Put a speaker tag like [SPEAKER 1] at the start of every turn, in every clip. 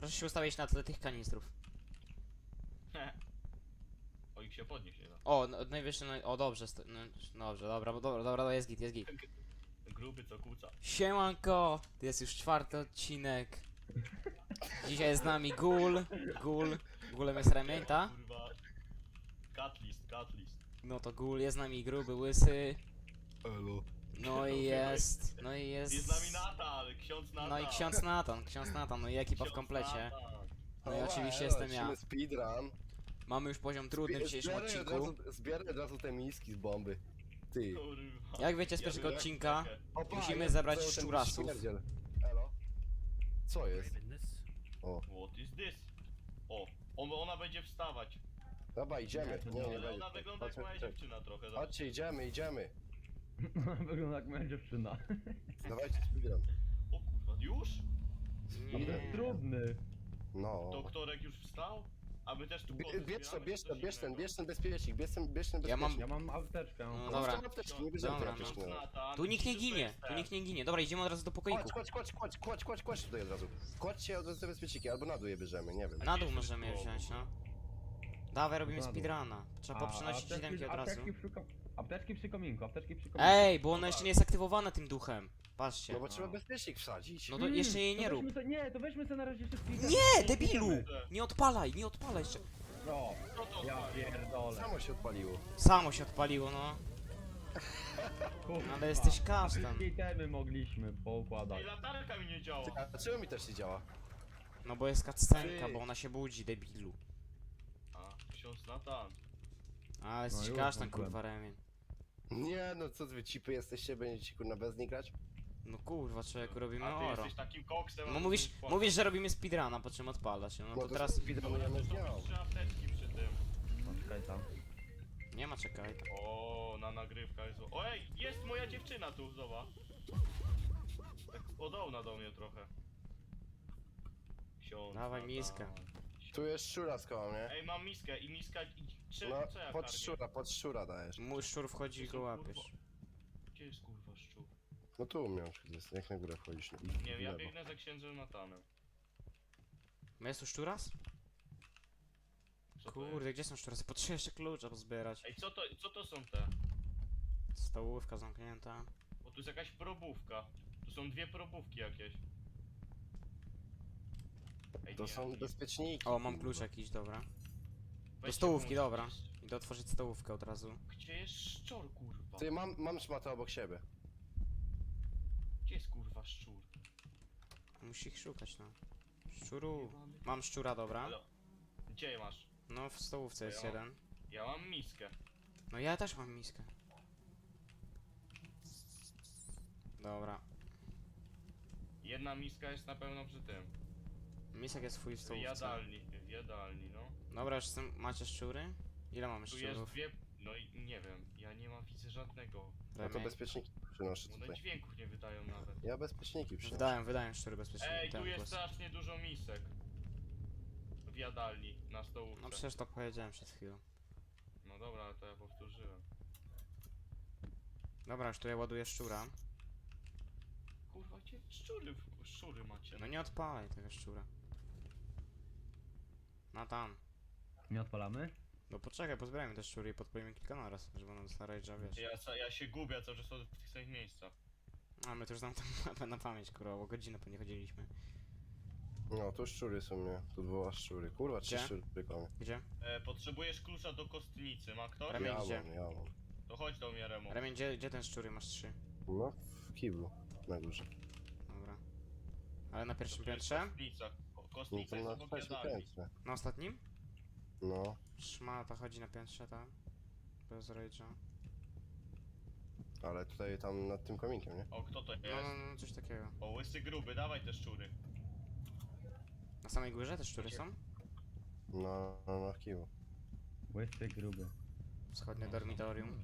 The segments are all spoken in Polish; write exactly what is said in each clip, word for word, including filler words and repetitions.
[SPEAKER 1] Proszę się ustawić na tle tych kanistrów.
[SPEAKER 2] O, ich się podnieść nie da.
[SPEAKER 1] O, no, najwyższy, no, o dobrze, sto, no, dobrze, dobra, bo dobra, dobra, jest git, jest git.
[SPEAKER 2] Gruby co kłóca.
[SPEAKER 1] Siemanko, to jest już czwarty odcinek. Dzisiaj jest z nami Gul, Gul, Gulem jest Remień, ta?
[SPEAKER 2] Kurwa. Catlist, catlist.
[SPEAKER 1] No to Gul, jest z nami gruby, łysy.
[SPEAKER 3] Elo.
[SPEAKER 1] No i jest, no i jest...
[SPEAKER 2] Jest z nami Natan, ksiądz Natan.
[SPEAKER 1] No i ksiądz Natan, ksiądz Natan, no i ekipa w
[SPEAKER 2] Ksiądz
[SPEAKER 1] komplecie.
[SPEAKER 2] Natan.
[SPEAKER 1] No i
[SPEAKER 3] O,
[SPEAKER 1] oczywiście
[SPEAKER 3] elo,
[SPEAKER 1] jestem ja.
[SPEAKER 3] lecimy speedrun.
[SPEAKER 1] Mamy już poziom trudny w dzisiejszym
[SPEAKER 3] Zbieraj od
[SPEAKER 1] odcinku.
[SPEAKER 3] razu- Zbieraj od razu te miski z bomby. Ty.
[SPEAKER 2] Kurwa.
[SPEAKER 1] Jak wiecie z
[SPEAKER 2] Ja
[SPEAKER 1] pierwszego
[SPEAKER 2] bym-
[SPEAKER 1] odcinka,
[SPEAKER 3] Opa,
[SPEAKER 1] musimy
[SPEAKER 3] jest
[SPEAKER 1] zebrać
[SPEAKER 3] cały ten
[SPEAKER 1] szczurasów.
[SPEAKER 3] śmierdziel. Elo. Co jest? O.
[SPEAKER 2] What is this? O, on, ona będzie wstawać.
[SPEAKER 3] Dobra, idziemy. Nie, nie
[SPEAKER 2] Ale
[SPEAKER 3] będzie.
[SPEAKER 2] ona wygląda jak
[SPEAKER 3] Chodźmy,
[SPEAKER 2] moja
[SPEAKER 3] chodźmy.
[SPEAKER 2] dziewczyna trochę. zobacz.
[SPEAKER 3] Chodźcie, idziemy, idziemy.
[SPEAKER 4] Wygląda jak moja dziewczyna.
[SPEAKER 3] Dawajcie speedrun.
[SPEAKER 2] O kurwa, już?
[SPEAKER 4] A to
[SPEAKER 1] Nie.
[SPEAKER 4] jest trudny.
[SPEAKER 3] No.
[SPEAKER 2] Doktorek już wstał? A my też tu
[SPEAKER 3] Bie-
[SPEAKER 2] koty
[SPEAKER 3] Bierz to,
[SPEAKER 2] zbieramy,
[SPEAKER 3] bierz
[SPEAKER 2] czy
[SPEAKER 3] to,
[SPEAKER 2] coś
[SPEAKER 3] bierz ten,
[SPEAKER 2] innego?
[SPEAKER 3] bierz ten bezpiecznik, bierz ten, bierz ten
[SPEAKER 1] Ja mam-
[SPEAKER 3] bezpiecznik.
[SPEAKER 4] Ja mam apteczkę.
[SPEAKER 1] No
[SPEAKER 3] No
[SPEAKER 1] dobra.
[SPEAKER 3] dobra. Apteczki, nie bierzemy
[SPEAKER 1] Dobra,
[SPEAKER 3] tej apteczki.
[SPEAKER 2] Ksiądz
[SPEAKER 3] no.
[SPEAKER 2] Natan,
[SPEAKER 1] Tu nikt nie
[SPEAKER 2] Jesus
[SPEAKER 1] ginie,
[SPEAKER 2] jest
[SPEAKER 1] tu
[SPEAKER 2] ten.
[SPEAKER 1] nikt nie ginie. Dobra, idziemy od razu do pokoiku.
[SPEAKER 3] Kładź, kładź, kładź, kładź, kładź, kładź, kładź tutaj od razu. Kładźcie od razu te bezpieczniki, albo na dół je bierzemy, nie wiem.
[SPEAKER 1] Na dół
[SPEAKER 2] Gdzie
[SPEAKER 1] możemy je
[SPEAKER 2] jest
[SPEAKER 1] wziąć,
[SPEAKER 2] to?
[SPEAKER 1] no. Dawaj, robimy
[SPEAKER 4] Na dół.
[SPEAKER 1] speedruna. Trzeba
[SPEAKER 4] A,
[SPEAKER 1] poprzynosić
[SPEAKER 4] apteczki-
[SPEAKER 1] siódemki od razu.
[SPEAKER 4] apteczki przy, ko- apteczki przy kominku, apteczki przy kominku.
[SPEAKER 1] Ej, bo ona jeszcze nie jest aktywowana tym duchem. Patrzcie.
[SPEAKER 3] No bo trzeba bezpiecznik wsadzić.
[SPEAKER 1] No to jeszcze jej nie
[SPEAKER 4] to
[SPEAKER 1] rób.
[SPEAKER 4] weźmy Se, nie, to weźmy sobie na razie wszystkich.
[SPEAKER 1] Nie, debilu! Nie odpalaj, nie odpalaj jeszcze.
[SPEAKER 4] No,
[SPEAKER 2] Co to?
[SPEAKER 4] ja pierdolę.
[SPEAKER 3] Samo się odpaliło.
[SPEAKER 1] Samo się odpaliło, no.
[SPEAKER 4] Kurwa.
[SPEAKER 1] Ale jesteś kasztan.
[SPEAKER 4] Wszystkie itemy mogliśmy poukładać.
[SPEAKER 2] Ej, latarka mi nie działa.
[SPEAKER 3] Ty, a czemu mi też nie działa?
[SPEAKER 1] No bo jest cutscenka, bo ona się budzi, debilu.
[SPEAKER 2] A, ksiądz Natan.
[SPEAKER 1] A, jesteś
[SPEAKER 4] już
[SPEAKER 1] kasztan,
[SPEAKER 4] włączyłem.
[SPEAKER 1] kurwa, remień.
[SPEAKER 3] Nie no, co wy cipy jesteście, będziecie kurna bez nich grać?
[SPEAKER 1] No kurwa, człowieku, robimy
[SPEAKER 2] A ty
[SPEAKER 1] oro.
[SPEAKER 2] jesteś takim koksem. a
[SPEAKER 1] No
[SPEAKER 2] ty
[SPEAKER 1] mówisz,
[SPEAKER 2] jesteś
[SPEAKER 1] mówisz, że robimy speedruna, po czym odpala się. No
[SPEAKER 3] Bo
[SPEAKER 1] to
[SPEAKER 3] to
[SPEAKER 1] teraz
[SPEAKER 3] speedrunujemy z nią.
[SPEAKER 2] Są trzy apteczki przy tym.
[SPEAKER 4] No, czekaj tam.
[SPEAKER 1] nie ma, czekaj.
[SPEAKER 2] O, na nagrywkach jest. O, ej, jest moja dziewczyna tu, zobacz. Tak podobna do mnie trochę. Ksiądz
[SPEAKER 1] Dawaj
[SPEAKER 2] Natan.
[SPEAKER 1] miskę.
[SPEAKER 3] Tu jest szczura z koło mnie.
[SPEAKER 2] Ej, mam miskę i miska i czy,
[SPEAKER 3] No,
[SPEAKER 2] co ja
[SPEAKER 3] pod
[SPEAKER 2] karmię?
[SPEAKER 3] szczura, pod szczura dajesz.
[SPEAKER 1] Mój szczur wchodzi i go łapiesz.
[SPEAKER 2] Gdzie jest kurwa szczur?
[SPEAKER 3] No tu u mnie jest, jak na górę wchodzisz. I
[SPEAKER 2] Nie wiem, ja
[SPEAKER 3] w lewo.
[SPEAKER 2] biegnę za księdzem Natanem.
[SPEAKER 1] No jest tu szczuras?
[SPEAKER 2] Co to jest?
[SPEAKER 1] Kurde, gdzie są szczurasy? Potrzebuję jeszcze klucza pozbierać.
[SPEAKER 2] Ej, co to, co to są te?
[SPEAKER 1] Stołówka zamknięta.
[SPEAKER 2] Bo tu jest jakaś probówka. Tu są dwie probówki jakieś. Ej,
[SPEAKER 3] To
[SPEAKER 2] nie,
[SPEAKER 3] są
[SPEAKER 2] nie.
[SPEAKER 3] bezpieczniki.
[SPEAKER 1] O, mam klucz jakiś, dobra. Do
[SPEAKER 2] Weźcie
[SPEAKER 1] stołówki,
[SPEAKER 2] włącz-
[SPEAKER 1] dobra. Idę otworzyć stołówkę od razu.
[SPEAKER 2] Gdzie jest szczur, kurwa?
[SPEAKER 3] Ty, mam, mam szmatę obok siebie.
[SPEAKER 2] Gdzie jest kurwa szczur?
[SPEAKER 1] Musi ich szukać, no. Szczuru. Mam szczura, dobra.
[SPEAKER 2] Halo. Gdzie masz?
[SPEAKER 1] No, w stołówce jest
[SPEAKER 2] Ja mam-
[SPEAKER 1] jeden.
[SPEAKER 2] Ja mam miskę.
[SPEAKER 1] No ja też mam miskę. Dobra.
[SPEAKER 2] Jedna miska jest na pewno przy tym.
[SPEAKER 1] Misek jest twój w
[SPEAKER 2] W
[SPEAKER 1] stołówce.
[SPEAKER 2] jadalni, w jadalni, no.
[SPEAKER 1] Dobra, już jestem, macie szczury? Ile mamy
[SPEAKER 2] Tu jest
[SPEAKER 1] szczurów?
[SPEAKER 2] dwie... No i nie wiem, ja nie mam widzę żadnego.
[SPEAKER 3] No to
[SPEAKER 1] Remień.
[SPEAKER 3] bezpieczniki przynoszę
[SPEAKER 2] One
[SPEAKER 3] tutaj.
[SPEAKER 2] dźwięków nie wydają nawet.
[SPEAKER 3] Ja bezpieczniki przynoszę.
[SPEAKER 1] Wydają, wydają szczury bezpiecznie.
[SPEAKER 2] Ej, tu
[SPEAKER 1] ten
[SPEAKER 2] jest
[SPEAKER 1] głos.
[SPEAKER 2] strasznie dużo misek. W jadalni, na stołówce.
[SPEAKER 1] No przecież to powiedziałem przed chwilą.
[SPEAKER 2] No dobra, ale to ja powtórzyłem.
[SPEAKER 1] Dobra, już tu ja ładuję szczura.
[SPEAKER 2] Kurwa, gdzie szczury, w- szczury macie?
[SPEAKER 1] No nie odpalaj tego szczura. No tam.
[SPEAKER 4] Nie odpalamy?
[SPEAKER 1] No poczekaj, pozbierajmy te szczury i podpalimy kilka naraz, żeby one dostała rage'a, wiesz.
[SPEAKER 2] Ja, sa- ja się gubię cały czas w tych samych miejscach.
[SPEAKER 1] A my to już znam tę mapę na pamięć, kurwa, bo godzinę po nie chodziliśmy.
[SPEAKER 3] No, tu szczury są mnie. Tu dwa szczury. Kurwa, trzy
[SPEAKER 1] Gdzie?
[SPEAKER 3] szczury koło mnie.
[SPEAKER 1] Gdzie?
[SPEAKER 2] E, potrzebujesz klucza do kostnicy, ma ktoś?
[SPEAKER 1] Ramię-
[SPEAKER 3] Ja
[SPEAKER 1] gdzie?
[SPEAKER 3] mam, ja mam.
[SPEAKER 2] To chodź do mnie, Remo.
[SPEAKER 1] Remień, gdzie, gdzie ten szczury? Masz trzy.
[SPEAKER 3] No, w kiblu. Na górze.
[SPEAKER 1] Dobra. Ale na
[SPEAKER 2] To
[SPEAKER 1] pierwszym
[SPEAKER 2] tu jest
[SPEAKER 1] piętrze?
[SPEAKER 2] Kostnica. Ko-
[SPEAKER 3] No
[SPEAKER 2] Kostnica
[SPEAKER 3] to
[SPEAKER 2] jest
[SPEAKER 3] na
[SPEAKER 2] obok
[SPEAKER 3] trzecim
[SPEAKER 2] jadalni.
[SPEAKER 3] piętrze.
[SPEAKER 1] Na ostatnim?
[SPEAKER 3] No.
[SPEAKER 1] Szmata chodzi na piętrze, tak? Bez rage'a.
[SPEAKER 3] Ale tutaj tam nad tym kominkiem, nie?
[SPEAKER 2] O, kto to jest?
[SPEAKER 1] No, no, no, coś takiego.
[SPEAKER 2] O, łysy gruby, dawaj te szczury.
[SPEAKER 1] Na samej górze te szczury są?
[SPEAKER 3] No, no, no w kiblu.
[SPEAKER 4] Łysy gruby.
[SPEAKER 1] Wschodnie dormitorium.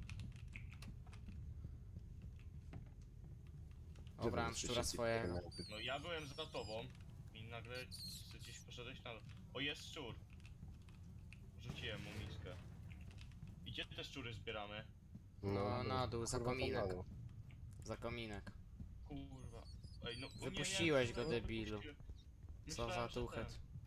[SPEAKER 1] Dobra, mam szczura swojego.
[SPEAKER 2] No ja byłem za tobą i nagle ty gdzieś poszedłeś na dół. O, jest szczur. Rzuciłem mu miskę. I gdzie te szczury zbieramy?
[SPEAKER 1] No, na dół, za
[SPEAKER 3] kurwa, tam
[SPEAKER 1] kominek.
[SPEAKER 3] na dół.
[SPEAKER 1] Za kominek.
[SPEAKER 2] Kurwa. Ej, no, o nie,
[SPEAKER 1] Wypuściłeś
[SPEAKER 2] nie,
[SPEAKER 1] go,
[SPEAKER 2] no,
[SPEAKER 1] debilu.
[SPEAKER 2] wypuściłem.
[SPEAKER 1] Co
[SPEAKER 2] Myślałem,
[SPEAKER 1] za
[SPEAKER 2] że
[SPEAKER 1] tuchet.
[SPEAKER 2] ten.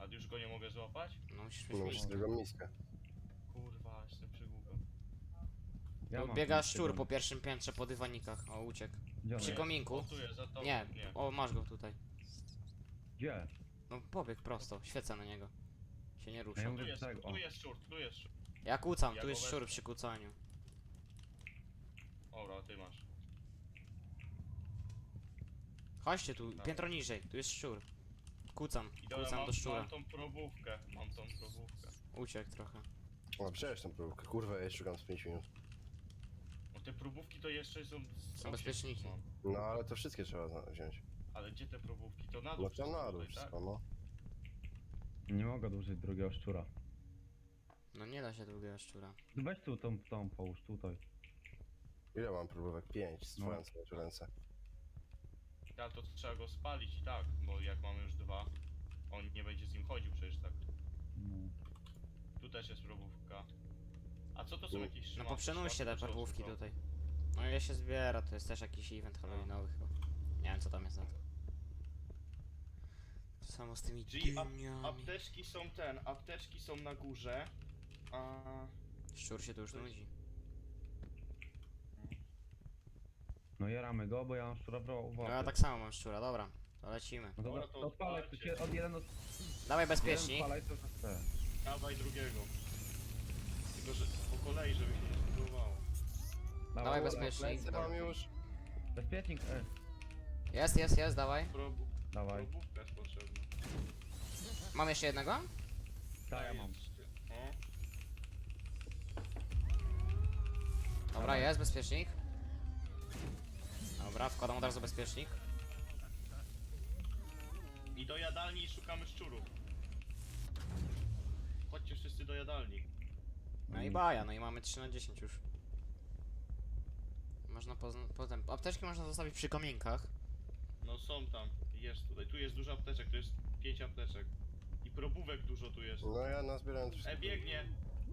[SPEAKER 2] A już go nie mogę złapać?
[SPEAKER 1] No musisz
[SPEAKER 3] No
[SPEAKER 1] mieć
[SPEAKER 3] musisz
[SPEAKER 1] miskę.
[SPEAKER 3] drugą miskę.
[SPEAKER 2] Kurwa, jestem przygłupem.
[SPEAKER 4] Ja
[SPEAKER 1] Tu
[SPEAKER 4] mam
[SPEAKER 1] biega
[SPEAKER 4] miskę
[SPEAKER 1] szczur
[SPEAKER 4] tam.
[SPEAKER 1] po pierwszym piętrze po dywanikach. O, uciekł.
[SPEAKER 4] Gdzie on
[SPEAKER 1] Przy
[SPEAKER 4] jest?
[SPEAKER 1] kominku.
[SPEAKER 2] O, tu jest, za to.
[SPEAKER 1] Nie,
[SPEAKER 2] nie.
[SPEAKER 1] o, masz go tutaj.
[SPEAKER 4] Gdzie?
[SPEAKER 1] No pobieg prosto, świecę na niego. Się nie
[SPEAKER 4] Ja
[SPEAKER 1] rusza.
[SPEAKER 4] mówię,
[SPEAKER 2] Tu jest,
[SPEAKER 4] tak, o.
[SPEAKER 2] tu jest szczur, tu jest szczur.
[SPEAKER 1] Ja kłócam,
[SPEAKER 2] Ja
[SPEAKER 1] tu
[SPEAKER 2] go
[SPEAKER 1] jest
[SPEAKER 2] wezmę.
[SPEAKER 1] szczur przy kłócaniu.
[SPEAKER 2] Dobra, ty masz.
[SPEAKER 1] Chodźcie tu,
[SPEAKER 2] Tak.
[SPEAKER 1] piętro niżej, tu jest szczur. Kłócam,
[SPEAKER 2] I dobra,
[SPEAKER 1] kłócam
[SPEAKER 2] mam,
[SPEAKER 1] do szczura.
[SPEAKER 2] mam tą probówkę, mam tą probówkę.
[SPEAKER 1] Uciekł trochę.
[SPEAKER 3] O, wziąłeś tą próbkę. Kurwa, ja szukam z pięć minut.
[SPEAKER 2] No te probówki to jeszcze są...
[SPEAKER 1] Są bezpieczniki.
[SPEAKER 3] No ale to wszystkie trzeba za- wziąć.
[SPEAKER 2] Ale gdzie te probówki? To na dół
[SPEAKER 3] No to
[SPEAKER 2] wszystko
[SPEAKER 3] na dół
[SPEAKER 2] tutaj, tak?
[SPEAKER 3] wszystko, no.
[SPEAKER 4] Nie mogę dłużyć drugiego szczura.
[SPEAKER 1] No nie da się drugiego szczura.
[SPEAKER 4] No weź tu tą, tą połóż tutaj.
[SPEAKER 3] Ile mam próbówek? Pięć,
[SPEAKER 4] No.
[SPEAKER 3] stworzę sobie w ręce.
[SPEAKER 2] Ale to trzeba go spalić i tak, bo jak mamy już dwa, on nie będzie z nim chodził przecież tak.
[SPEAKER 4] No.
[SPEAKER 2] Tu też jest probówka. A co to są
[SPEAKER 3] No.
[SPEAKER 2] jakieś
[SPEAKER 1] No
[SPEAKER 2] szmaty?
[SPEAKER 1] poprzenoście te
[SPEAKER 2] Szmaty, co
[SPEAKER 1] parwówki
[SPEAKER 2] są?
[SPEAKER 1] tutaj. No ile się zbiera, to jest też jakiś event halloweenowy chyba. Nie wiem co tam jest na to. To samo z tymi
[SPEAKER 2] Czyli ap
[SPEAKER 1] dyniami.
[SPEAKER 2] apteczki są ten, apteczki są na górze, a...
[SPEAKER 1] Szczur się tu już
[SPEAKER 2] To jest-
[SPEAKER 1] nudzi.
[SPEAKER 4] No jaramy go, bo ja mam szczura w ro- w
[SPEAKER 1] No
[SPEAKER 4] łapie.
[SPEAKER 1] ja tak samo mam szczura, dobra. To lecimy.
[SPEAKER 4] No
[SPEAKER 2] Dobra,
[SPEAKER 4] dobra,
[SPEAKER 2] to
[SPEAKER 4] to odpalaj, to
[SPEAKER 2] odpalcie.
[SPEAKER 4] się od jeden od...
[SPEAKER 1] Dawaj
[SPEAKER 4] jeden
[SPEAKER 1] bezpiecznik.
[SPEAKER 4] odpalaj, to to chce.
[SPEAKER 2] Dawaj drugiego. Tylko, że po kolei, żeby się nie spróbowało.
[SPEAKER 1] Dawaj
[SPEAKER 4] dobra.
[SPEAKER 1] bezpiecznik.
[SPEAKER 3] Lecę mam już.
[SPEAKER 4] Bezpiecznik, e.
[SPEAKER 1] Jest, jest, jest, dawaj.
[SPEAKER 2] Probu
[SPEAKER 4] Dawaj.
[SPEAKER 2] probówka jest potrzebna.
[SPEAKER 1] Mam jeszcze jednego?
[SPEAKER 4] Tak, ja mam.
[SPEAKER 2] O,
[SPEAKER 1] Dobra, jest bezpiecznik. Dobra, wkładam od razu bezpiecznik.
[SPEAKER 2] i do jadalni szukamy szczurów. Chodźcie wszyscy do jadalni.
[SPEAKER 1] No i baja, no i mamy trzy na dziesięć już. Można pozna- potem. Apteczki można zostawić przy komienkach.
[SPEAKER 2] No są tam, jest tutaj. Tu jest dużo apteczek, tu jest pięć apteczek. I probówek dużo tu jest.
[SPEAKER 3] No ja nazbierałem te
[SPEAKER 2] E,
[SPEAKER 3] wszystkie.
[SPEAKER 2] biegnie!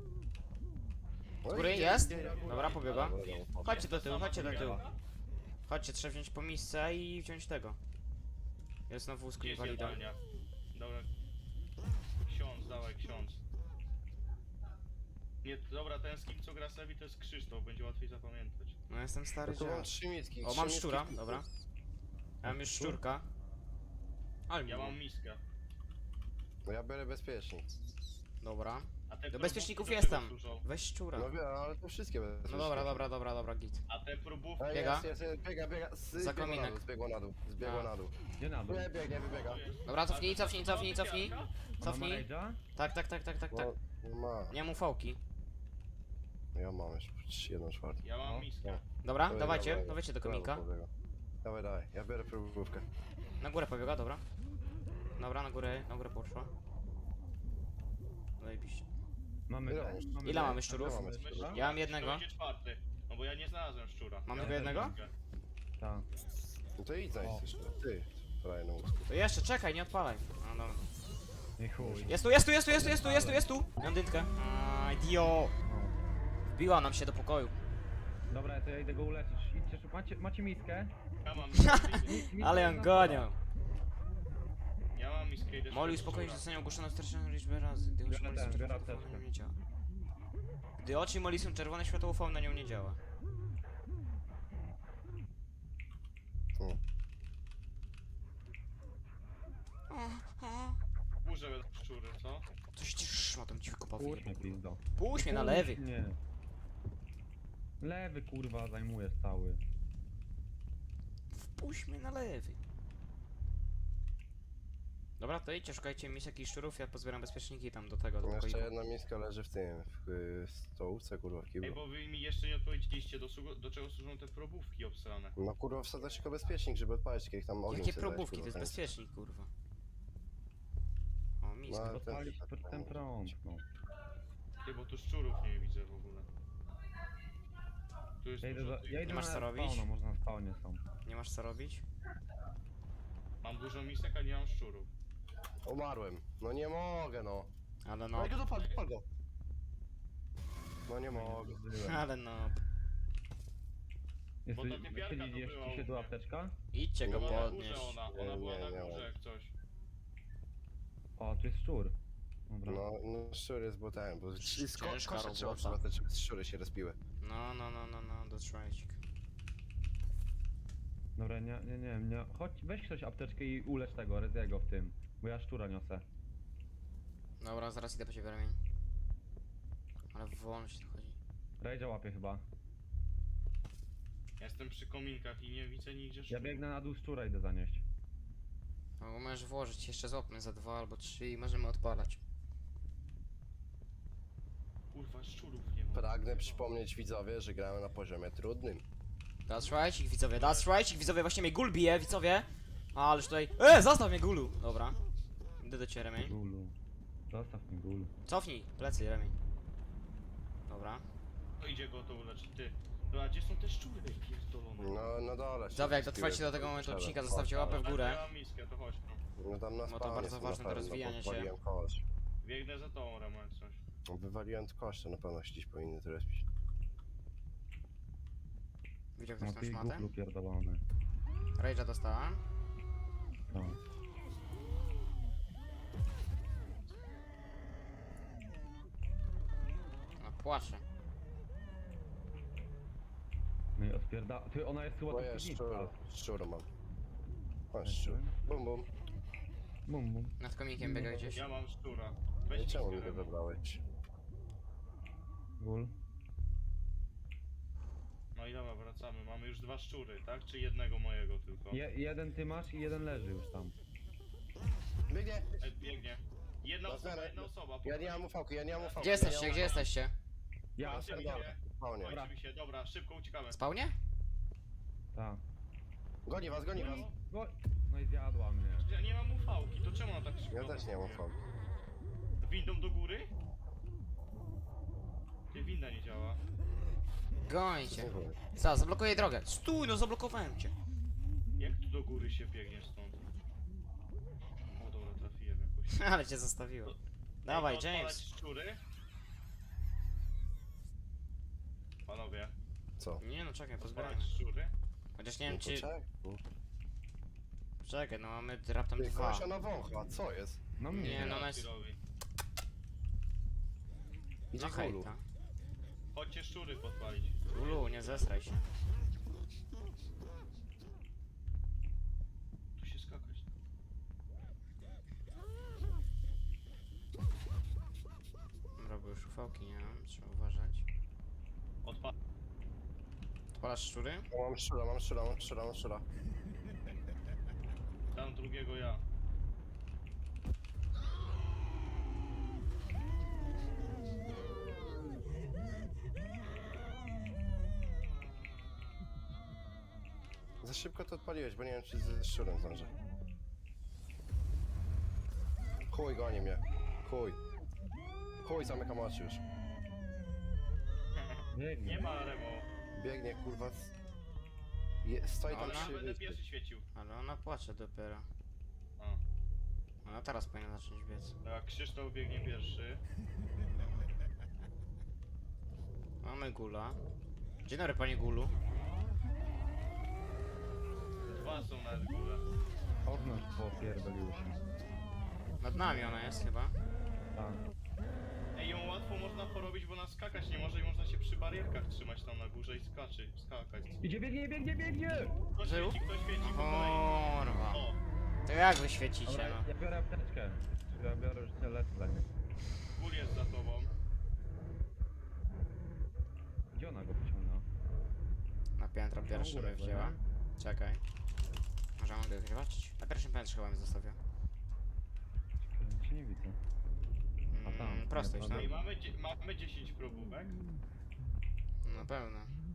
[SPEAKER 3] No
[SPEAKER 1] Góry
[SPEAKER 3] idzie,
[SPEAKER 1] jest?
[SPEAKER 3] idzie na górę.
[SPEAKER 1] Dobra, pobiegła.
[SPEAKER 3] Dobra, dobra.
[SPEAKER 1] Chodźcie do
[SPEAKER 2] Jest
[SPEAKER 1] tyłu,
[SPEAKER 2] ta
[SPEAKER 1] chodźcie do
[SPEAKER 2] sama
[SPEAKER 1] tyłu.
[SPEAKER 2] druga?
[SPEAKER 1] Chodźcie, trzeba wziąć po misce i wziąć tego. Jest na wózku
[SPEAKER 2] Gdzie jest
[SPEAKER 1] inwalida.
[SPEAKER 2] jadalnia? Dobra. Ksiądz, dawaj ksiądz. Nie, dobra, ten z kim co gra Sevi to jest Krzysztof, będzie łatwiej zapamiętać.
[SPEAKER 1] No jestem stary
[SPEAKER 3] No to mam
[SPEAKER 1] dziad.
[SPEAKER 3] trzy mitki.
[SPEAKER 1] O,
[SPEAKER 3] trzy
[SPEAKER 1] mam
[SPEAKER 3] mitki
[SPEAKER 1] szczura,
[SPEAKER 3] w-
[SPEAKER 1] dobra. Ja mam już szczurka. Ale
[SPEAKER 2] Ja
[SPEAKER 1] miło.
[SPEAKER 2] mam miskę.
[SPEAKER 3] No ja biorę bezpiecznik.
[SPEAKER 1] Dobra.
[SPEAKER 2] A te
[SPEAKER 1] Do
[SPEAKER 2] probówki
[SPEAKER 1] bezpieczników
[SPEAKER 2] do
[SPEAKER 1] jest
[SPEAKER 2] czego
[SPEAKER 1] tam.
[SPEAKER 2] służą?
[SPEAKER 1] Weź szczura.
[SPEAKER 3] No wiem, ale to wszystkie bezpieczniki.
[SPEAKER 1] No dobra, dobra, dobra, dobra, git.
[SPEAKER 2] A te próbówki...
[SPEAKER 3] Ej,
[SPEAKER 1] Biega.
[SPEAKER 3] Jest, jest, jest, biega, biega. Z,
[SPEAKER 1] Za
[SPEAKER 3] zbiegła
[SPEAKER 1] kominek.
[SPEAKER 3] na dół, zbiegła na dół. Zbiegła
[SPEAKER 1] A.
[SPEAKER 3] na dół.
[SPEAKER 4] Gdzie na dół?
[SPEAKER 3] Nie, biegnie, wybiega.
[SPEAKER 1] Dobra, cofnij, cofnij, cofnij, cofnij.
[SPEAKER 2] Ona ma
[SPEAKER 1] Cofnij.
[SPEAKER 4] Rage'a?
[SPEAKER 1] Tak, tak, tak, tak, tak, tak.
[SPEAKER 3] No, no ma.
[SPEAKER 1] Nie mu fałki.
[SPEAKER 3] Ja mam już jedną czwartą.
[SPEAKER 2] Ja mam
[SPEAKER 4] No.
[SPEAKER 2] miskę.
[SPEAKER 1] Dobra,
[SPEAKER 3] Dawaj,
[SPEAKER 1] dawajcie,
[SPEAKER 3] dawaj.
[SPEAKER 1] dawajcie do
[SPEAKER 3] Brawo,
[SPEAKER 1] kominka.
[SPEAKER 3] pobiega. Dawaj, dawaj. Ja biorę próbówkę.
[SPEAKER 1] Na górę pobiega, dobra. Dobra, na górę, na górę poszła. Zajebiście.
[SPEAKER 4] Mamy
[SPEAKER 3] Ile
[SPEAKER 4] ten?
[SPEAKER 3] mamy?
[SPEAKER 4] Mamy
[SPEAKER 1] Ile
[SPEAKER 4] ten?
[SPEAKER 1] mamy szczurów?
[SPEAKER 3] Ile mamy?
[SPEAKER 2] Myślę,
[SPEAKER 1] Ja mam
[SPEAKER 2] że
[SPEAKER 1] jednego.
[SPEAKER 2] To będzie czwarty. No bo ja nie znalazłem szczura.
[SPEAKER 1] Mam
[SPEAKER 2] ja
[SPEAKER 1] tylko jednego?
[SPEAKER 2] miskę.
[SPEAKER 4] Tak.
[SPEAKER 3] No to idź
[SPEAKER 4] O.
[SPEAKER 3] znajść jeszcze. Ty, frajer na łóżku.
[SPEAKER 1] To jeszcze, czekaj, nie odpalaj. No dobra.
[SPEAKER 4] I chuj.
[SPEAKER 1] Jest tu, jest tu, jest tu, jest tu, jest tu, jest tu, jest tu! Mam dynkę. Aj, dio!
[SPEAKER 4] No.
[SPEAKER 1] Wbiła nam się do pokoju.
[SPEAKER 4] Dobra, to ja idę go uleczyć. Idźcie, szu- macie, macie miskę?
[SPEAKER 2] Ja mam miskę.
[SPEAKER 4] Miskę
[SPEAKER 1] Ale ją
[SPEAKER 4] na
[SPEAKER 1] gonią.
[SPEAKER 2] Ja mam miskę i
[SPEAKER 1] Molly spokojnie zostanie ogłoszona straszną liczbę razy, gdy oczy
[SPEAKER 4] Biorę
[SPEAKER 1] Molly
[SPEAKER 4] ten,
[SPEAKER 1] są
[SPEAKER 4] biorę
[SPEAKER 1] czerwone, na
[SPEAKER 4] apteczkę.
[SPEAKER 1] nią nie działa. Gdy oczy Molly są czerwone, światło U V na nią nie działa.
[SPEAKER 3] Tu.
[SPEAKER 2] Burzę szczury, co?
[SPEAKER 1] Coś ci szmatą ci wykopał.
[SPEAKER 4] Puść mnie, pizdo.
[SPEAKER 1] Puść mnie na lewy.
[SPEAKER 4] Puść mnie. Lewy, kurwa, zajmujesz cały.
[SPEAKER 1] Wpuść mnie na lewy. Dobra, to idźcie, szukajcie misek i szczurów, ja pozbieram bezpieczniki tam do tego, do
[SPEAKER 3] Jeszcze
[SPEAKER 1] pokoiku.
[SPEAKER 3] jedna miska leży w tym, w y, stołówce, kurwa, w
[SPEAKER 2] Ej,
[SPEAKER 3] kiblu.
[SPEAKER 2] bo wy mi jeszcze nie odpowiedzieliście, do, sługu- do czego służą te probówki obsrane.
[SPEAKER 3] No kurwa, wsadzasz tylko bezpiecznik, żeby odpalić, jak tam ogień
[SPEAKER 1] Jakie
[SPEAKER 3] sobie dać,
[SPEAKER 1] probówki, to
[SPEAKER 3] kurwa,
[SPEAKER 1] jest
[SPEAKER 3] ten.
[SPEAKER 1] bezpiecznik, kurwa. O, miska.
[SPEAKER 3] No, ale ten-
[SPEAKER 4] Odpalić ten, ten prąd, no.
[SPEAKER 2] Ty, bo tu szczurów nie widzę w ogóle. Tu jest
[SPEAKER 4] Ja idę,
[SPEAKER 2] dużo
[SPEAKER 4] do,
[SPEAKER 2] tych-
[SPEAKER 4] ja idę
[SPEAKER 1] masz
[SPEAKER 4] na
[SPEAKER 1] co robić?
[SPEAKER 4] spawna, może na spawnie są.
[SPEAKER 1] Nie masz co robić?
[SPEAKER 2] Mam dużo misek, a nie mam szczurów.
[SPEAKER 3] Umarłem. No nie mogę, no.
[SPEAKER 1] Ale
[SPEAKER 3] No
[SPEAKER 1] no.
[SPEAKER 3] i go dopal, dopal go. No nie mogę.
[SPEAKER 1] Ale no.
[SPEAKER 4] Jest
[SPEAKER 2] Bo
[SPEAKER 4] tu,
[SPEAKER 2] ta typiarka
[SPEAKER 4] siedzi
[SPEAKER 2] to
[SPEAKER 4] gdzieś
[SPEAKER 2] była
[SPEAKER 4] tu
[SPEAKER 2] u
[SPEAKER 4] tu
[SPEAKER 2] mnie.
[SPEAKER 4] apteczka?
[SPEAKER 1] Idźcie go
[SPEAKER 3] No,
[SPEAKER 2] Była na
[SPEAKER 1] podnieść.
[SPEAKER 2] górze ona, ona
[SPEAKER 3] Nie,
[SPEAKER 2] była
[SPEAKER 3] nie,
[SPEAKER 2] na
[SPEAKER 3] nie
[SPEAKER 2] górze
[SPEAKER 3] mam.
[SPEAKER 2] jak coś.
[SPEAKER 4] O, tu jest szczur. Dobra.
[SPEAKER 3] No, no szczur jest botem, bo sko
[SPEAKER 1] Ciężka
[SPEAKER 3] kosze trzeba
[SPEAKER 1] robota.
[SPEAKER 3] przelatać, żeby szczury się respiły.
[SPEAKER 1] No, no, no, no, no, that's right.
[SPEAKER 4] Dobra, nie, nie, nie, nie. Chodź, weź ktoś apteczkę i ulecz tego, Reziego w tym. Bo ja szczura niosę.
[SPEAKER 1] Dobra, zaraz idę po ciebie, Remień. Ale wolno się tu chodzi.
[SPEAKER 4] Rejdzia łapie chyba.
[SPEAKER 2] Ja jestem przy kominkach i nie widzę nigdzie
[SPEAKER 4] Ja
[SPEAKER 2] szczurów.
[SPEAKER 4] biegnę na dół szczura, idę zanieść.
[SPEAKER 1] No, możesz włożyć, jeszcze złapmy za dwa albo trzy i możemy odpalać.
[SPEAKER 2] Kurwa, szczurów nie ma.
[SPEAKER 3] Pragnę przypomnieć widzowie, że gramy na poziomie trudnym.
[SPEAKER 1] That's right, ich widzowie, that's right, ich widzowie, właśnie mnie gul bije, widzowie. A, ależ tutaj... E, zostaw mnie gulu! Dobra. Idę do ciebie, Remień.
[SPEAKER 4] Gulu. Zostaw mi gulu.
[SPEAKER 1] Cofnij, plecy, Remień. Dobra.
[SPEAKER 2] No idzie go to uleczyć, ty. No a gdzie są te szczury pierdolone?
[SPEAKER 3] No, na dole się
[SPEAKER 1] Widzowie, jak
[SPEAKER 3] respiły,
[SPEAKER 1] dotrwacie do tego
[SPEAKER 3] to
[SPEAKER 1] momentu
[SPEAKER 3] trzeba.
[SPEAKER 1] odcinka, zostawcie łapę w
[SPEAKER 2] Dobra,
[SPEAKER 1] górę.
[SPEAKER 2] Ja mam miskę, to chodź no.
[SPEAKER 3] No tam na
[SPEAKER 1] No to
[SPEAKER 3] spawnie
[SPEAKER 1] bardzo
[SPEAKER 3] są
[SPEAKER 1] ważne
[SPEAKER 3] na
[SPEAKER 1] do
[SPEAKER 3] pewno,
[SPEAKER 1] rozwijania się.
[SPEAKER 3] Wywaliłem kość.
[SPEAKER 2] Biegnę za tobą, Remo, jak coś.
[SPEAKER 3] No, Wywaliłem kość, to na pewno się gdzieś powinny to respić.
[SPEAKER 1] Widział ktoś
[SPEAKER 4] No
[SPEAKER 1] tam
[SPEAKER 4] ty
[SPEAKER 1] szmatę?
[SPEAKER 4] guplu pierdolony.
[SPEAKER 1] Rage'a dostała.
[SPEAKER 4] No.
[SPEAKER 1] No płacze.
[SPEAKER 4] No i odpierda... Ty, ona jest chyba
[SPEAKER 3] Bo
[SPEAKER 4] tu
[SPEAKER 3] ja
[SPEAKER 4] piwnica.
[SPEAKER 3] szczur, szczur mam. Masz szczur. Bum bum.
[SPEAKER 4] Bum, bum.
[SPEAKER 1] Nad komikiem biega gdzieś.
[SPEAKER 2] Ja mam szczura.
[SPEAKER 3] No
[SPEAKER 2] Weź
[SPEAKER 3] i czemu mi
[SPEAKER 2] miskę,
[SPEAKER 3] go
[SPEAKER 2] Remo.
[SPEAKER 3] zabrałeś?
[SPEAKER 4] Gul.
[SPEAKER 2] No i dobra, wracamy. Mamy już dwa szczury, tak? Czy jednego mojego tylko?
[SPEAKER 4] Je, jeden ty masz i jeden leży już tam.
[SPEAKER 3] Biegnie!
[SPEAKER 2] Ej, biegnie. Jedna
[SPEAKER 3] Na
[SPEAKER 2] osoba,
[SPEAKER 3] zmianę.
[SPEAKER 2] jedna osoba.
[SPEAKER 3] Ja nie mam ufałki, ja nie mam ufałki.
[SPEAKER 1] Gdzie
[SPEAKER 3] ja
[SPEAKER 1] jesteście,
[SPEAKER 3] nie mam
[SPEAKER 1] gdzie
[SPEAKER 3] ufałki.
[SPEAKER 1] jesteście?
[SPEAKER 4] Ja,
[SPEAKER 3] Na
[SPEAKER 2] Idziemy,
[SPEAKER 3] dole.
[SPEAKER 2] idziemy.
[SPEAKER 3] Spawnie.
[SPEAKER 2] Dobra. się, dobra, szybko uciekamy.
[SPEAKER 1] Spawnie?
[SPEAKER 4] tak.
[SPEAKER 3] Goni was, goni was.
[SPEAKER 4] Go... No i zjadła mnie.
[SPEAKER 2] Ja nie mam ufałki, to czemu ona tak szybko?
[SPEAKER 3] Ja też nie mam ufałki.
[SPEAKER 2] Windą do góry? Nie, winda nie działa.
[SPEAKER 1] Gońcie.
[SPEAKER 3] Nie wiem.
[SPEAKER 1] Co, zablokuję drogę. Stój, no zablokowałem cię.
[SPEAKER 2] Jak tu do góry się biegnie stąd? O dobra, trafiłem jakoś.
[SPEAKER 1] Ale cię zostawiło. Dawaj,
[SPEAKER 2] Ej, to odpalać
[SPEAKER 1] James.
[SPEAKER 2] szczury? Panowie,
[SPEAKER 3] Co?
[SPEAKER 1] Nie no, czekaj, pozbieramy.
[SPEAKER 2] odpalać szczury?
[SPEAKER 1] Chociaż nie wiem
[SPEAKER 3] No
[SPEAKER 1] czy...
[SPEAKER 3] poczekaj.
[SPEAKER 1] Czekaj, no mamy raptem
[SPEAKER 3] Ty,
[SPEAKER 1] dwa.
[SPEAKER 3] kolesia na wącha, co jest?
[SPEAKER 4] No mnie.
[SPEAKER 1] Nie, no ona jest...
[SPEAKER 2] Robi.
[SPEAKER 3] Idzie
[SPEAKER 1] No
[SPEAKER 3] kulu.
[SPEAKER 1] hejta.
[SPEAKER 2] Chodźcie szczury podpalić.
[SPEAKER 1] Ulu, nie zesraj się.
[SPEAKER 2] Tu się skakać.
[SPEAKER 1] Dobra, bo już ufałki nie mam, trzeba uważać.
[SPEAKER 2] Odpal.
[SPEAKER 1] Odpalasz szczury?
[SPEAKER 3] O, mam szczura, mam szczura, mam szczura, mam szczura.
[SPEAKER 2] Tam drugiego ja.
[SPEAKER 3] Za szybko to odpaliłeś, bo nie wiem czy ze szczurem zdążę. Chuj, goni mnie. Chuj. Chuj, zamykam oczy już.
[SPEAKER 4] Biegnie.
[SPEAKER 2] Nie ma Remo.
[SPEAKER 3] Biegnie, kurwa. z- Je, stoi tam
[SPEAKER 1] Ona?
[SPEAKER 3] przy
[SPEAKER 2] Będę
[SPEAKER 3] wyspie.
[SPEAKER 2] pierwszy świecił.
[SPEAKER 1] Ale ona płacze dopiero.
[SPEAKER 2] A.
[SPEAKER 1] Ona teraz powinna zacząć biec.
[SPEAKER 2] Tak, Krzysztof biegnie pierwszy.
[SPEAKER 1] Mamy gula. Dzień dobry, panie gulu.
[SPEAKER 2] Dwa są na górze.
[SPEAKER 4] Okno popierdoliło się.
[SPEAKER 1] Nad nami ona jest chyba.
[SPEAKER 4] Tak.
[SPEAKER 2] Ej, ją łatwo można porobić, bo ona skakać nie może i można się przy barierkach trzymać tam na górze i skaczy, skakać.
[SPEAKER 4] Idzie, biegnie, biegnie, biegnie!
[SPEAKER 2] Kto
[SPEAKER 1] Żył?
[SPEAKER 2] świeci, kto świeci po kolei.
[SPEAKER 1] Kurwa.
[SPEAKER 2] O,
[SPEAKER 1] To jak wy świecicie,
[SPEAKER 4] Dobra,
[SPEAKER 1] no?
[SPEAKER 4] ja biorę apteczkę. Ja biorę już tyle lecę.
[SPEAKER 2] gór jest za tobą.
[SPEAKER 4] Gdzie ona go wyciągnęła?
[SPEAKER 1] Na piętro pierwsze
[SPEAKER 4] górę,
[SPEAKER 1] mnie wzięła.
[SPEAKER 4] nie?
[SPEAKER 1] Czekaj. Może mogę go zobaczyć? Na pierwszym piętrze chyba mnie zostawiła.
[SPEAKER 4] Czekaj, cię nie widzę. A tam,
[SPEAKER 1] Mm, prosto
[SPEAKER 4] nie,
[SPEAKER 1] iść, no?
[SPEAKER 4] na
[SPEAKER 2] Ej, mamy, dzie- mamy dziesięć probówek.
[SPEAKER 1] Na pewno.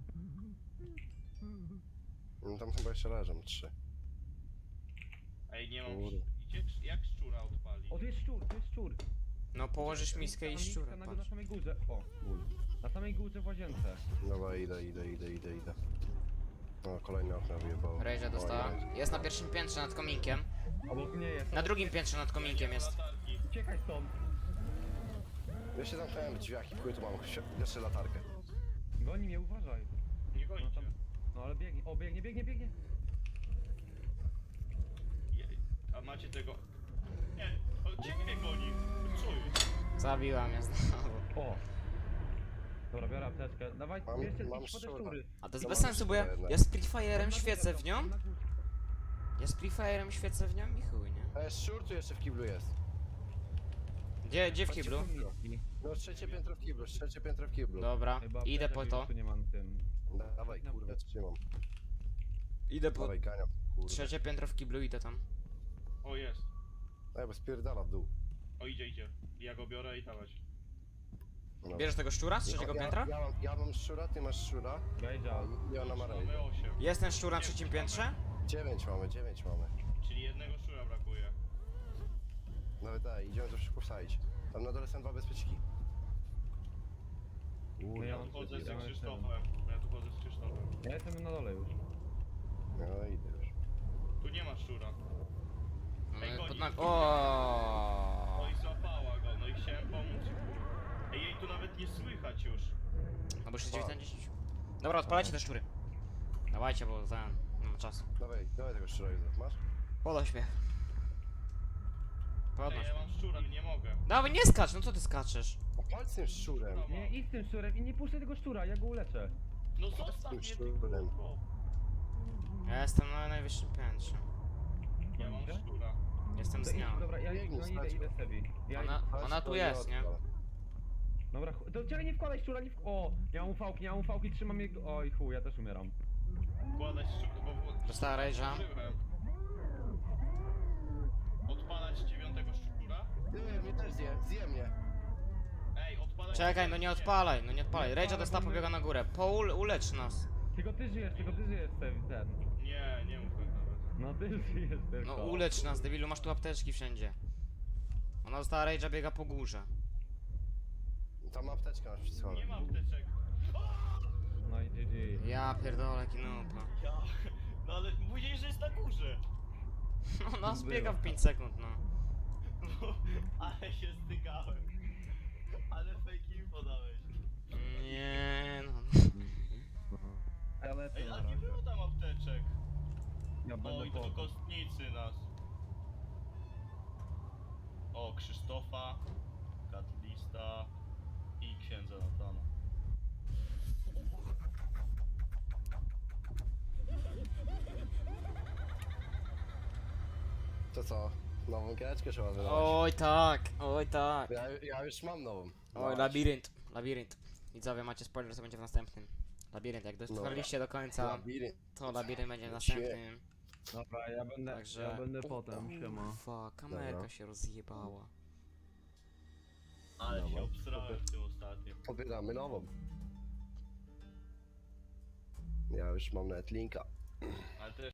[SPEAKER 3] No tam chyba jeszcze leżą, trzy.
[SPEAKER 2] Ej, nie mam...
[SPEAKER 3] Kurde.
[SPEAKER 2] Idzie, jak szczura odpali?
[SPEAKER 4] O, tu jest szczur, tu jest szczur.
[SPEAKER 1] No położysz miskę i
[SPEAKER 4] Tam
[SPEAKER 1] szczurę,
[SPEAKER 4] miska na, na
[SPEAKER 1] patrz.
[SPEAKER 4] samej górze. O, gól. Na samej górze w łazience.
[SPEAKER 3] Dobra, idę, idę, idę, idę, idę. No, kolejne okno wyjebało.
[SPEAKER 1] Rejża dostała.
[SPEAKER 3] Oj, oj.
[SPEAKER 1] Jest na pierwszym piętrze nad kominkiem.
[SPEAKER 4] Obok mnie jest.
[SPEAKER 1] Na drugim piętrze nad kominkiem jest.
[SPEAKER 2] Latarki.
[SPEAKER 4] Uciekaj stąd.
[SPEAKER 3] Ja się zamknąłem w drzwiach i chuj tu mam świ- jeszcze latarkę.
[SPEAKER 4] Goni mnie, uważaj.
[SPEAKER 2] Nie
[SPEAKER 4] No,
[SPEAKER 2] gońcie.
[SPEAKER 4] tam, no ale biegnie. O, biegnie, biegnie, biegnie.
[SPEAKER 2] Je- A macie tego... Nie, o, ciebie goni.
[SPEAKER 1] Zabiła mnie znowu.
[SPEAKER 4] O! Dobra, biorę apteczkę. Dawaj,
[SPEAKER 3] Mam-
[SPEAKER 4] bierzcie
[SPEAKER 3] mam
[SPEAKER 4] idź po te
[SPEAKER 3] szczura.
[SPEAKER 4] szczury.
[SPEAKER 1] A to jest
[SPEAKER 3] No
[SPEAKER 1] bez
[SPEAKER 3] mam
[SPEAKER 1] sensu, bo ja,
[SPEAKER 3] szczurę
[SPEAKER 1] ja z Prefire'em
[SPEAKER 4] Na górze
[SPEAKER 1] świecę
[SPEAKER 4] są,
[SPEAKER 1] w nią.
[SPEAKER 4] na górze.
[SPEAKER 1] Ja z Prefire'em świecę w nią i chuj, nie?
[SPEAKER 3] E, szczur tu jeszcze w kiblu jest.
[SPEAKER 1] Gdzie, gdzie w kiblu?
[SPEAKER 3] No trzecie piętro w kiblu, trzecie piętro w kiblu.
[SPEAKER 1] Dobra,
[SPEAKER 4] Chyba
[SPEAKER 1] idę
[SPEAKER 4] apteczek
[SPEAKER 1] po
[SPEAKER 4] już
[SPEAKER 1] to.
[SPEAKER 4] tu nie mam tym.
[SPEAKER 3] Dawaj, kurwa, trzymam.
[SPEAKER 1] Idę po...
[SPEAKER 3] Dawaj, ganiam, kurwa.
[SPEAKER 1] Trzecie piętro w kiblu, idę tam.
[SPEAKER 2] O, jest.
[SPEAKER 3] Ej, bo spierdala w dół.
[SPEAKER 2] O, idzie, idzie. Ja go biorę i dawać.
[SPEAKER 3] No.
[SPEAKER 1] Bierzesz tego szczura z trzeciego
[SPEAKER 3] ja,
[SPEAKER 1] piętra?
[SPEAKER 3] Ja, mam, ja mam szczura, ty masz szczura.
[SPEAKER 4] Gajdzia.
[SPEAKER 3] I ona ma
[SPEAKER 2] Mamy
[SPEAKER 3] rejdę.
[SPEAKER 2] osiem.
[SPEAKER 1] Jest ten szczur na trzecim piętrze?
[SPEAKER 3] Dziewięć mamy, dziewięć mamy.
[SPEAKER 2] Czyli jednego szczura brakuje.
[SPEAKER 3] Nawet daj, idziemy to szybko wsadzić. Tam na dole są dwa bezpieczki.
[SPEAKER 4] No ja
[SPEAKER 2] Ja
[SPEAKER 4] mam
[SPEAKER 2] tu chodzę
[SPEAKER 4] ja
[SPEAKER 2] z
[SPEAKER 4] mam
[SPEAKER 2] Krzysztofem. Ja tu chodzę z Krzysztofem.
[SPEAKER 4] Ja jestem na dole już.
[SPEAKER 3] No idę już.
[SPEAKER 2] Tu nie ma szczura. Ej,
[SPEAKER 1] No,
[SPEAKER 2] goni.
[SPEAKER 1] pod nag- O.
[SPEAKER 2] No i złapała go, no i chciałem pomóc. Ej, jej tu nawet nie słychać już.
[SPEAKER 1] No bo już jest dziewięćdziesiąt. Dobra, odpalajcie te szczury. Dawajcie, bo ten... nie mam czasu.
[SPEAKER 3] Dawaj, dawaj tego szczura, Józef, masz?
[SPEAKER 1] Podnoś mnie.
[SPEAKER 2] Ej,
[SPEAKER 1] Podnoś
[SPEAKER 2] ja
[SPEAKER 1] mnie.
[SPEAKER 2] mam szczura, nie mogę.
[SPEAKER 1] Dawaj, nie skacz, no co ty skaczesz?
[SPEAKER 3] No palcem z tym szczurem.
[SPEAKER 4] Nie, idź z tym szczurem i nie puszczaj tego szczura, ja go uleczę.
[SPEAKER 2] No zostaw mnie, ty
[SPEAKER 3] szczurem.
[SPEAKER 2] kurwo.
[SPEAKER 1] Ja jestem na najwyższym piętrze.
[SPEAKER 2] Ja mam
[SPEAKER 4] Gonicie?
[SPEAKER 2] szczura.
[SPEAKER 1] Jestem
[SPEAKER 4] To
[SPEAKER 1] z
[SPEAKER 4] idź,
[SPEAKER 1] nią.
[SPEAKER 4] dobra, ja
[SPEAKER 3] Biegnij,
[SPEAKER 4] no, idę,
[SPEAKER 3] stać
[SPEAKER 4] idę
[SPEAKER 3] go.
[SPEAKER 4] sobie. Ja
[SPEAKER 1] Ona,
[SPEAKER 3] Patrz,
[SPEAKER 1] ona tu
[SPEAKER 3] to
[SPEAKER 1] jest, nie?
[SPEAKER 3] odpala.
[SPEAKER 4] Dobra, chu- to czekaj, nie wkładaj szczura, nie w... O! Nie mam ufałki, nie mam ufałki, trzymam jego... Oj chuj, ja też umieram.
[SPEAKER 2] Wkładać szczura, bo...
[SPEAKER 1] Dostała rage'a.
[SPEAKER 2] Użyłem. Odpalać dziewiątego szczura?
[SPEAKER 3] Ty, mnie też zje, zje mnie.
[SPEAKER 2] Ej, odpalać...
[SPEAKER 1] Czekaj, no nie odpalaj, no nie odpalaj.
[SPEAKER 4] Nie
[SPEAKER 1] Rage'a
[SPEAKER 4] odpalaj,
[SPEAKER 1] dostała,
[SPEAKER 4] bo my-
[SPEAKER 1] pobiega na górę. Paul, ulecz nas.
[SPEAKER 4] Tylko ty żyjesz, tylko ty żyjesz ten. ten.
[SPEAKER 2] Nie, nie mów tak nawet.
[SPEAKER 4] No ty żyjesz tylko.
[SPEAKER 1] No ulecz nas, debilu, masz tu apteczki wszędzie. Ona dostała rage'a, biega po górze.
[SPEAKER 3] Tam apteczka masz wszystko.
[SPEAKER 2] Nie mam apteczek.
[SPEAKER 4] No i G G.
[SPEAKER 1] Ja pierdolę, kinupa.
[SPEAKER 2] Ja... No ale mówiłeś, że jest na górze.
[SPEAKER 1] No nas biega w pięć sekund, no.
[SPEAKER 2] Ale się stykałem. Ale fake info dałeś.
[SPEAKER 1] Nie no.
[SPEAKER 4] Ja lecę
[SPEAKER 2] Ej,
[SPEAKER 4] na
[SPEAKER 2] a nie
[SPEAKER 4] razie.
[SPEAKER 2] było tam apteczek.
[SPEAKER 4] Ja będę
[SPEAKER 2] Oj, to
[SPEAKER 4] po...
[SPEAKER 2] kostnicy nas. O, Krzysztofa, Katlista i księdza Natana.
[SPEAKER 3] To co? Nową giereczkę trzeba wydawać.
[SPEAKER 1] Oj tak, oj tak.
[SPEAKER 3] Ja, ja już mam nową.
[SPEAKER 1] Oj,
[SPEAKER 3] Dawać.
[SPEAKER 1] labirynt, labirynt. Widzowie, macie spoiler, co będzie w następnym. Labirynt, jak dotrwaliście do końca,
[SPEAKER 3] Labirynt.
[SPEAKER 1] to labirynt będzie w
[SPEAKER 3] Shit.
[SPEAKER 1] następnym.
[SPEAKER 4] Dobra, ja będę,
[SPEAKER 1] Także-
[SPEAKER 4] ja będę potem, siema.
[SPEAKER 1] Ufa, kamerka
[SPEAKER 3] Dobra.
[SPEAKER 1] się rozjebała.
[SPEAKER 2] Ale się
[SPEAKER 3] Dobra.
[SPEAKER 2] obstrałem w tym ostatnim.
[SPEAKER 3] Pobieramy nową. Ja już mam nawet linka.
[SPEAKER 2] Ale też